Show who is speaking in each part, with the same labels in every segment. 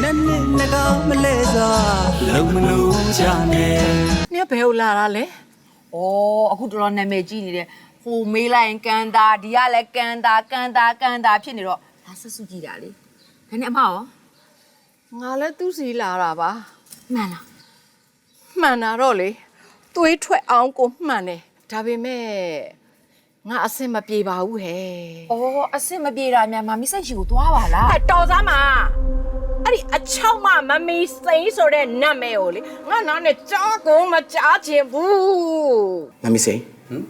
Speaker 1: မလဲစွာလုံမလို့ချနဲ့
Speaker 2: နင်ဘယ်ကိုလာတာလဲဩအခုတော်တော်နာမည်ကြီးနေတယ်ဟိုမေးလိုက်ရင်ကန်တာဒီကလည်းကန်တာဖြစ်နေတော့ဒါဆက်စုကြည့်တာလေဒါနဲ့အမရောငါလည်းသူ့စီလာတာပါမှန်လားမှန်တာတော့လေသွေးထွက်အောင်ကိုမှန်တယ်ဒါပေမဲ့ငါအဆင်မပြေပါဘူးဟဲ့ဩအဆင်မပြေတာများမမီးစိတ်ရှိကိုသွားပါလားတော်သားမအဲ့ဒီအချောက်မမမီစိန်ဆိုတဲ့နာမည်ကိုလေငါနားနဲ့ကြားကုန်မကြားချင်ဘူး
Speaker 3: မမီစိန်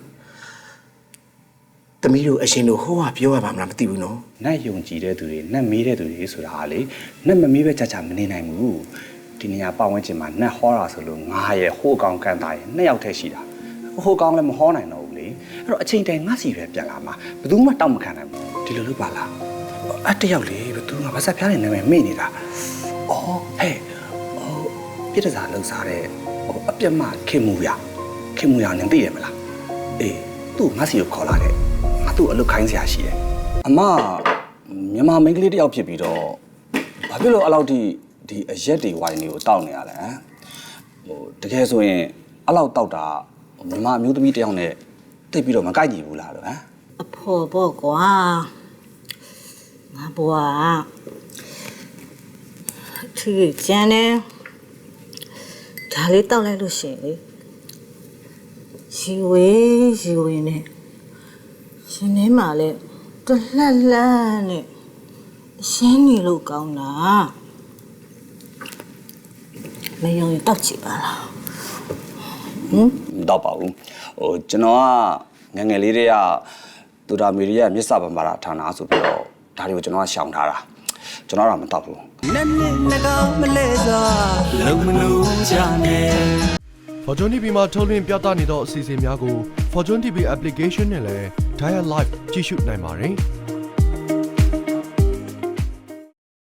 Speaker 3: တမီးတို့အရှင်တို့ဟိုကပြောရပါမလားမသိဘူးနော်
Speaker 4: နတ်ယုံကြည်တဲ့သူတွေနတ်မေးတဲ့သူတွေဆိုတာဟာလေနတ်မမေးပဲကြာကြာမနေနိုင်ဘူးဒီနေရာပတ်ဝန်းကျင်မှာနတ်ဟောတာဆိုလို့ငါရဲ့ဟိုးကောင်ကန်တာရဲ့နှစ်ယောက်တည်းရှိတာဟိုးကောင်လည်းမဟောနိုင်တော့ဘူးလေအဲ့တော့အချိန်တိုင်းငါစီပဲပြန်လာမှာဘယ်သူမှတောက်မခံနိုင်ဘူးဒီလိုလုပ်ပါလားအတယောက်လေဘယ်သူငါဘာဆက်ဖျားနေနေမေ့နေတာအော်ဟဲ့ပြစ်တစားလှုပ်စားတဲ့အပြတ်မခင်မှုရနင်သိရမလားအေးသူ့ငါစီကိုခေါ်လာတယ်ငါသူ့အလုပ်ခိုင်းစရာရှိတယ်အမမြန်မာမိန်းကလေးတယောက်ဖြစ်ပြီးတော့ဘာဖြစ်လို့အဲ့လောက်ထိဒီအရက်တွေဝိုင်းတွေကိုတောက်နေရလဲဟိုတကယ်ဆိုရင်အဲ့လောက်တောက်တာမြန်မာအမျိုးသမီးတယောက်နဲ့တိတ်ပြီးတော့မကိုက်ကြည့်ဘူးလားလို့ဟမ်
Speaker 5: အဖော်ပေါ့ကွာငါဘွားသူကျန်နေဒါလေးတောက်လိုက်လို့ရှိရင်လေရီဝေးနဲ့ရှင်နေမှာလဲတလှက်နဲ့ရှင်းနေလို့ကောင်းတာမယုံရင်တောက်ကြည့်ပါလား
Speaker 4: မတော့ပါဘူးဟိုကျွန်တော်ကငငယ်လေးတွေကတူတာမီရီရဲ့မြစ်စာပမာဌာနဆိုပြီးတော့ဒါတွေကိုကျွန်တော်ကရှောင်ထားတာကျွန်တော်တော့မတော့ဘူး
Speaker 1: မလဲစွာလုံမလို့ချနဲ့
Speaker 6: Fortune TV မှာထုတ်လွှင့်ပြသနေသောအစီအစဉ်များကို Fortune TV application နဲ့လည်း Dial Live ကြည့်ရှုနိုင်ပါတယ်